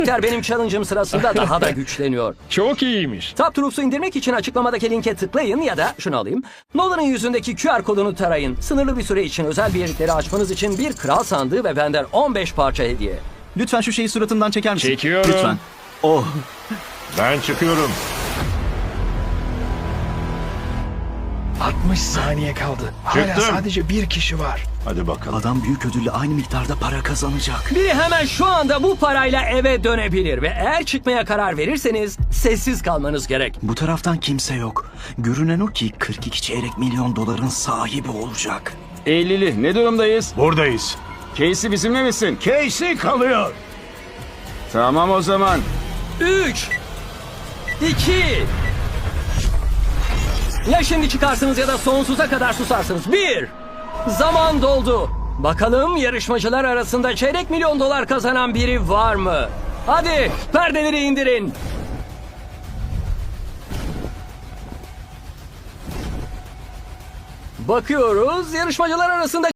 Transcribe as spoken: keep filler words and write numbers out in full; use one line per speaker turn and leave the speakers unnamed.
benim challenge'ım sırasında daha da güçleniyor.
Çok iyiymiş.
Top Troops'u indirmek için açıklamadaki linke tıklayın ya da şunu alayım. Nolan'ın yüzündeki Q R kodunu tarayın. Sınırlı bir süre için özel birlikleri açmanız için bir kral sandığı ve benden on beş parça hediye.
Lütfen şu şeyi suratımdan çeker misin?
Çekiyorum.
Lütfen. Oh.
Ben çıkıyorum.
altmış saniye kaldı. Hala
Çıktım.
sadece bir kişi var.
Hadi bakalım.
Adam büyük ödülle aynı miktarda para kazanacak.
Biri hemen şu anda bu parayla eve dönebilir ve eğer çıkmaya karar verirseniz sessiz kalmanız gerek.
Bu taraftan kimse yok. Görünen o ki kırk iki çeyrek milyon doların sahibi olacak.
Eylül'ü ne durumdayız?
Buradayız.
Casey bizimle misin?
Casey kalıyor.
Tamam o zaman.
üç iki Ya şimdi çıkarsınız ya da sonsuza kadar susarsınız. bir Zaman doldu. Bakalım yarışmacılar arasında çeyrek milyon dolar kazanan biri var mı? Hadi perdeleri indirin. Bakıyoruz yarışmacılar arasında